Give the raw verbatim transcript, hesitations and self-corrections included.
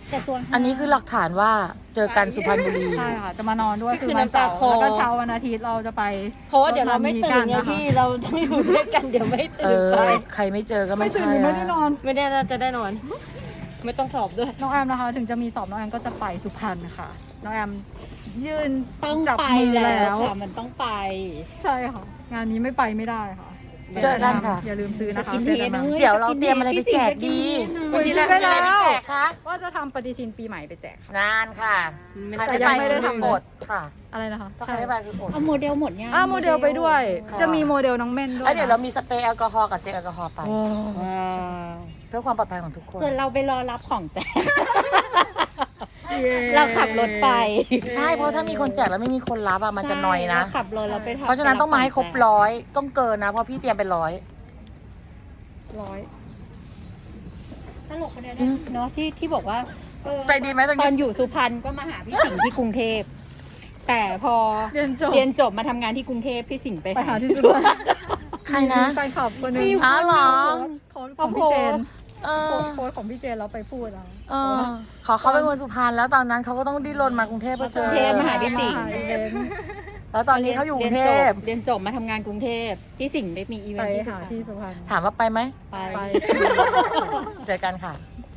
แต่ตัวอันนี้คือหลักฐานว่าเจอกันสุพรรณบุรีใช่ค่ะจะมานอนด้วยคืคืออวันน้ำตาเสาร์คลอแล้วก็เช้าวันอาทิตย์เราจะไปเพราะว่าเดี๋ยวเราไม่ตื่นไงรถพี่เราต้องอยู่ด้วยกันเดี๋ยวไม่เอตื่นอไปใครไม่เจอก็ไม่ไม่ตื่นใช่ไม่อะได้นอนไม่แน่น่าจะได้นอน ไม่ต้องสอบด้วยน้องแอมนะคะ ถึงจะมีสอบน้องแอมก็จะไปสุพรรณค่ะ น้องแอมยืนต้องจับไปมือแล้แล้ว วค่ะมันต้องไปใช่ค่ะ งานนี้ไม่ไปไม่ได้ค่ะเจอกันค่ะอย่าลืมซื้อนะคะสกินเจเฮอกัดนนะนะเดี๋ยวเราเตรียมอะไรไปแจกดีคุยกันได้แล้วคะว่าจะทำปฏิทินปีใหม่ไปแจกค่ะนานค่ะใครแต่ไม่ยัไปงไม่ได้คือทำอดค่ะอะไรนะคะถ้าใครไม่ไปคืออดเอาโมเดลหมดยังอ่าโมเดลไปด้วยค่ะจะมีโมเดลน้องเม่นด้วยแล้วเดี๋ยวเรามีสเปรย์แอลกอฮอล์กับเจลแอลกอฮอล์ไปโอ้ว้าวเพื่อความปลอดภัยของทุกคนส่วนเราไปรอรับของแจก เราขับรถไปใช่เพราะถ้ามีคนแจกแล้วไม่มีคนรับอะมันจะนอยนะใช่เราขับรถเราไปทำเพราะฉะนั้นต้องมาให้ครบร้อยต้องเกินนะ เพราะพี่เตรียมเป็นร้อยร้อยตลกคนนี้นะเนาะที่ที่บอกว่าเออไปดีไหมตรงตอนนี้อยู่สุพรรณก็มาหาพี่สิงห์ที่กรุงเทพแต่พอเรียนจบเรียนจบมาทำงานที่กรุงเทพพี่สิงห์ไปไปหาที่สุสุพพรรรรณณใครนะแฟนคลับคนหนึงมีอ๋อเหรอเขาของพี่เจนเอโพอสต์โพสต์ของพี่เจนเราไปพูดเอาเออขอเขาเป็นคนสุพรรณแล้วตอนนั้นเขาก็ต้องดิ้นรนมากรุงเทพเพื่อเจกรุองเทพมาหาพี่สิงห์มาหาอีเวนต์แล้วตอนนี้เขาอยู่กรุงเทพเรียนจบมาทำงานกรุงเทพพี่สิงห์ไปมีอีเวไปนต์ที่สุหาพรรณที่สุพรรณถามว่าไปไหมไปไปเจอกันค่ะ